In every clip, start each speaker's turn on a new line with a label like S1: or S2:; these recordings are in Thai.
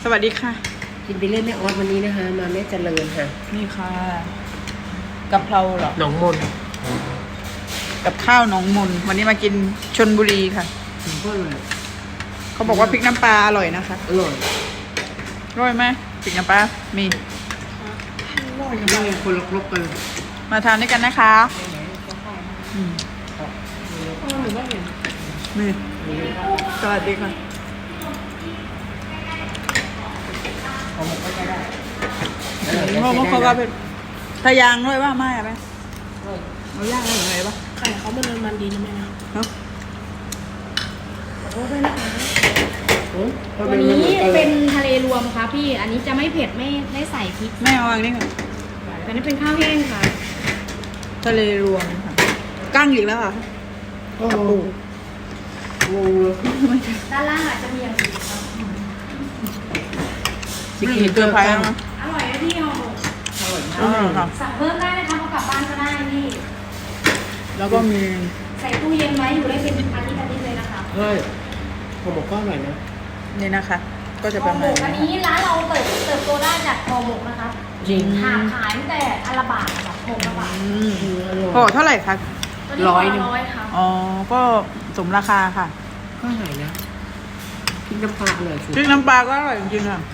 S1: สวัสดีค่ะ
S2: กินไปเล่นแม่ออสวันนี้นะคะมาแม่เจริญค่ะ
S1: นี่ค่ะกะเพราเหรอ
S2: หนองมน
S1: กับข้าวหนองมนวันนี้มากินชลบุรีค่ะ
S2: ก็เลย
S1: เขาบอกว่าพริกน้ำปลาอร่อยนะคะ
S2: อร่อย
S1: อร่อยไหมพริกน้ำปลามี
S2: อร่อยมากคนละครบกัน
S1: มาทานด้วยกันนะคะนี่สวัสดีค่ะเขาก็เป็นทะยางด้วยว่าไม่อะแม่เอาย่างอะไรยังไงปะ
S3: ไข่เขามันดีนะแม่นะขอโทษด้วยนะคะวันนี้เป็นทะเลรวมค่ะพี่ อันนี้จะไม่เผ็ดไม่ใส่พริก
S1: แม่เอาอันนี้ค่ะ
S3: อันนี้เป็นข้าวแห้งค่ะ
S1: ทะเลรวมค่ะกั้งอีกแล้วค่ะ
S2: โอ้โห
S3: ด้านล่างอาจจะมีอย่างอื่นครับ
S1: ไม่เห็นเกลือไผ่แล้วนะ
S3: อร่อยนะพี่ห่อหมก
S1: อร่อยค่ะ
S3: สั่งเพิ่มได้นะคะเขากลับบ้านก็ได้นี่
S1: แล้วก็มี
S3: ใส่ตู้เย็นไว้อยู่ได้เป็นอาทิตย์เลยนะคะ
S2: ใช่ห่อหมกก็อร่อยนะ
S1: นี่นะคะก็จะป
S3: ห่อ
S1: ระ
S3: หม
S1: มาณ
S3: กอันนี้ร้านเราเติบโตได้จากห่อหมกนะคะ
S2: จริง
S3: ขายตั้งแต่อัลบาทแบบห่อละบาท
S1: ห่อเท่าไหร่คะ
S3: 100ค่ะ
S1: อ๋อก็สมราคาค่ะ
S2: ก็อร่อยนะพริกน้ำปลาอร่อยสุด
S1: พริกน้ำปลาก็อร่อยจริงๆค่ะ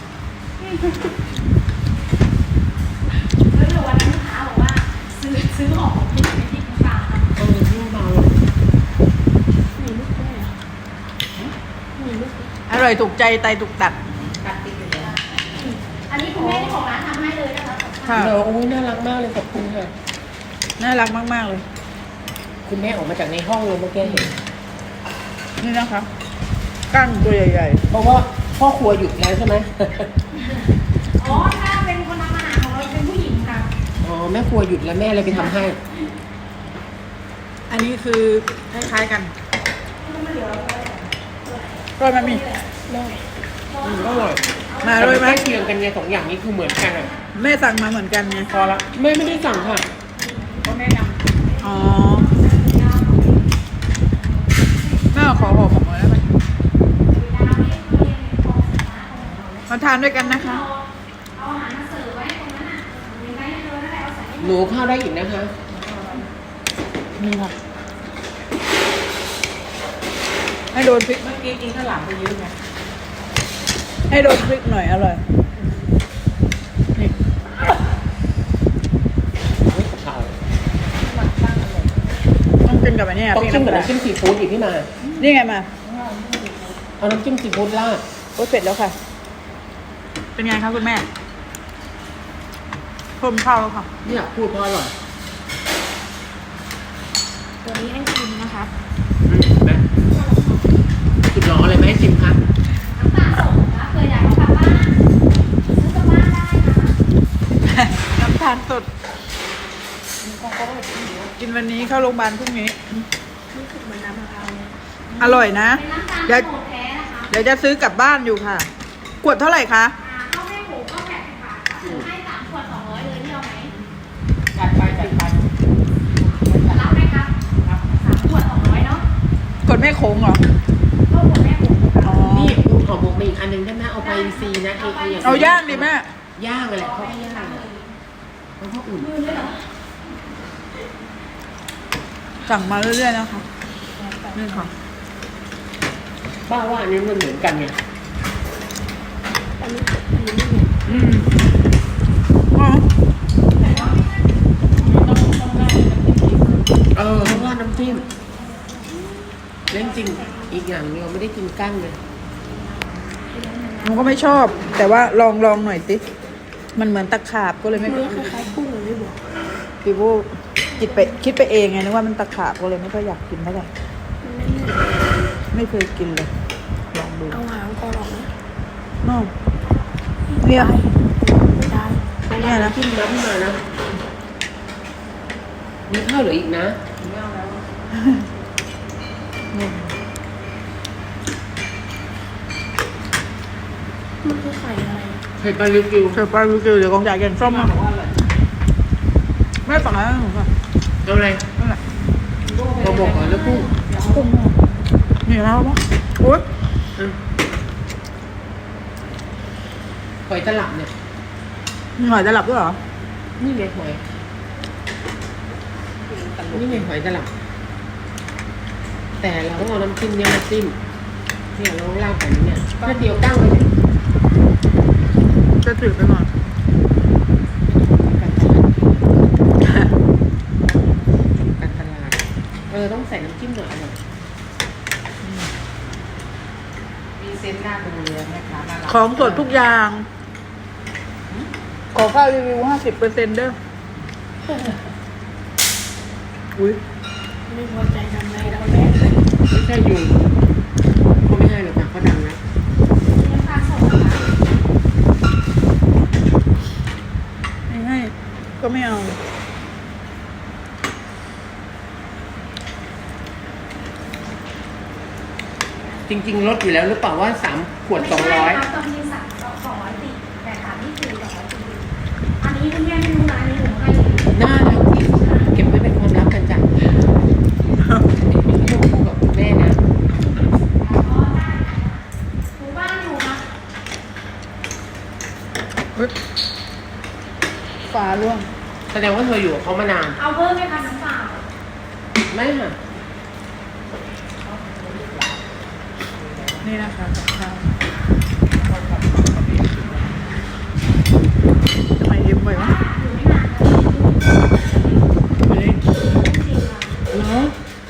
S3: แล้ววันนั้นลูกค้าบอกว่าซื้อห่อหมกพริกน้ำปลา
S2: ที่เบา
S3: มีลูกด้วยมีลูก
S1: อร่อยถูกใจไตถูกตัด
S3: อันนี้คุณแม่ที่ของร้านทำให้เลยนะคะ
S1: ค่ะ
S2: โอ้ยน่ารักมากเลยขอบคุณค่ะ
S1: น่ารักมากๆเลย
S2: คุณแม่ออกมาจากในห้องเลยเมื่อกี้เห็น
S1: นี่นะคะกั้งตัวใหญ่
S2: ๆเพราะว่าพ่อครัวหยุดแล้วใช่ไหม
S3: อ๋อถ้าเป็นคนทำอาหารของเราเป็นผู้หญิงค่ะ
S2: อ๋อแม่ครัวหยุดแล้วแม่เลยไปทำให้
S1: อันนี้คือคล้ายๆกันก็มันมี
S2: อร่อย
S1: มาด้วยไหม
S2: เคียงกันไงสองอย่างนี้คือเหมือนกันอ่ะ
S1: แม่สั่งมาเหมือนกันไง
S2: พอละแม่ไม่ได้สั่งค่ะ
S1: ก็แม่นำอ๋อแม่ขอห่อหมกหน่อยได้ไหมมาทานด้วยกันนะคะ
S2: หนูข้าวได้อีกนะคะ
S1: นี่ค่ะให้โดนพริกเมื่อกี้กินข้าวหลามไปเยอะไงให้โดนพริกหน่อยอร่อยนี่ต้องกินกับอันนี้
S2: ต้องจิ้มกับน้ำจิ้มซีฟู้ดอีกพี่มา
S1: นี่ไงมา
S2: เอาน้ำจิ้มซีฟู้ดราด
S1: โอ้ยเสร็จแล้วค่ะเป็นไงคะคุณแม่เพิ่มข้าวแล้วค่ะ
S2: นี่อยากพูดเพราะอร่อย
S3: ตัวนี้ให้ชิมนะคะ
S2: แม่สุดร้อนเลยไหมชิมคะ
S3: น้ำตาลสดนะเคยอยากเอากลับบ้านซื้อกลับบ้านได้นะ
S1: น้ำตาลสดกินวันนี้เข้าโรงพยาบาลพรุ่งนี้
S3: รู้สึกเหมือนน้ำมะพร้าว
S1: อร่อยนะ
S3: เ
S1: ดี๋ยวจะซื้อกลับบ้านอยู่ค่ะขวดเท่าไหร่คะ
S3: ข้าวแม่หมูก็80 บาทซื้อให้3 ขวด 200เลยนี่เอาไหม
S1: จัดไป
S3: รับไหมครับ3 ขวด 200เนาะ
S1: ขวดแม่โค้งเหรอ
S3: ก็ขวดแม่หมู
S2: นี่ขอบอกมาอีกอันนึงได้ไหมเอาไปซีนะ
S1: เอาย่างดิแม่
S2: ย่างเลยเขาย่างเลยเพราะเขาอุ่น
S1: สั่งมาเรื่อยๆนะคะนี่ค่ะ
S2: ป้าว่าอันนี้มันเหมือนกันไงต้องราดน้ำจิ้มเล่นจริงอีกอย่างเราไม่ได้กินกั้งเลย
S1: หนูก็ไม่ชอบแต่ว่าลองหน่อยสิมันเหมือนตะขาบก็เลยไม่
S3: คล้ายๆกุ้งเลยบอก
S1: พี่บูคิดไปเองไงนึกว่ามันตะขาบก็เลยไม่ค่อยอยากกินเท่าไหร่ไม่เคยกินเลยลองดู
S3: เอาหางคอหรอกนะ
S1: น้องเนี่ย
S3: ไม่ได้
S1: เนี่ยนะ
S2: จิ้มน้ำมานะมีข้าวเหลืออีกนะ
S1: ไม่เอาแล้ว
S3: มันคือไข่อะไร
S2: ไข่ปลาลิวกิว
S1: เดี๋ยวกองจ่ายแกงส้มมาไม่ฝั่งนั้นหนูค่ะ
S2: เอาอะไรเราบอกก่อนแล้วกุ้ง
S1: นี่แล้วปะโอ๊ย
S2: หอยตลับเนี่ย
S1: มีหอยตลับด้วยเหรอ
S2: นี่ไงหอยนี่ไงหอยตลับ แต่เราต้องเอาน้ำจิ้มเนี่ยมาจิ้มเนี่ยเราลาดแบบนี้เนี่ยแค่เดียวตั้งเลยเนี่ย
S1: จะจืดไปหน่อย
S2: การตลาดต้องใส่น้ำจิ้มหน่อยอร่อยมีเซนต์หน้าตรงเรือไหมคะน่ารัก
S1: ของสดทุกอย่าง ขอค่ารีวิว50%เด้ออุ้ย
S3: ไม่พอใจทำไงเราแม่
S2: ไม่ใช่ยุงเขาไม่ให้หรอกค่ะเขาดังนะ
S3: น้ำตาลสดนะคะ
S1: ไม่ให้ก็ไม่เอา
S2: จริงๆลดอยู่แล้วหรือเปล่าว่า3 ขวด 200
S3: ไม่ใช่ครับตอนนี้200 ติดแต่ถามนี่คือ240อันนี้คุณแม่ไม่รู้นะอันนี้หนูให้
S2: น่ารักที่สุดเก็บไว้เป็นความลับกันจ้ะไม่ต้องพูดกับคุณแม่นะ
S3: หนูบ้านอยู่นะ
S1: ฝาร่วง
S2: แสดงว่าเธออยู่กับเขามานาน
S3: เอาเพิ่มไหมคะน้ำเปล่า
S2: ไม่ค่ะ
S1: นี่นะคะกับข้าวทำไมยิ้มไปวะ
S3: อยู่ไม่นาน
S2: เฮ้ย
S3: จริงค่ะ
S2: เหรอ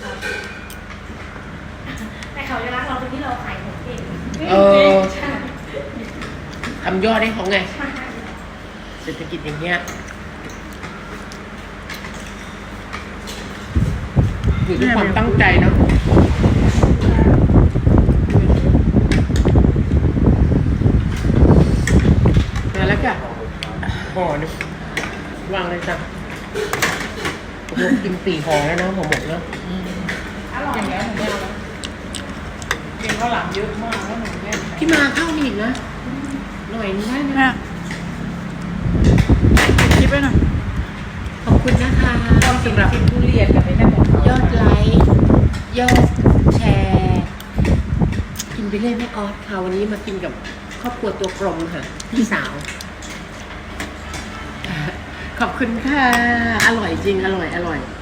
S3: แต่เขาจะรักเราตรงที่เราขายของเก่ง ใช่
S2: ทำยอดให้เขาไง
S3: ใช่
S2: เศรษฐกิจอย่างเงี้ยอยู่ด้วยความตั้งใจเนาะมาแล้วจ้ะห่อหนึงวางเลยจ้ะผมกิน4 ห่อแล้วนะห่อหมกเนาะ
S3: อร่อย
S1: อย่างเงี้ยหนูไม่เอาแล้วกินข้าวหลามเยอะมากแล้วหนูแม่
S2: พี่มาเข้ามีอีกนะ หน่อยนึงได้ไหม
S1: แม่คิดไปหน่อย
S2: ขอบคุณนะคะสำหรับ
S1: ทุเรียนกับไอ้นั่นของเขา
S2: ยอดไลค์ยอดแชร์กินไปเรื่อยแม่ออสค่ะวันนี้มากินกับครอบครัวตัวกลมค่ะพี่สาว ขอบคุณค่ะ อร่อยจริงอร่อย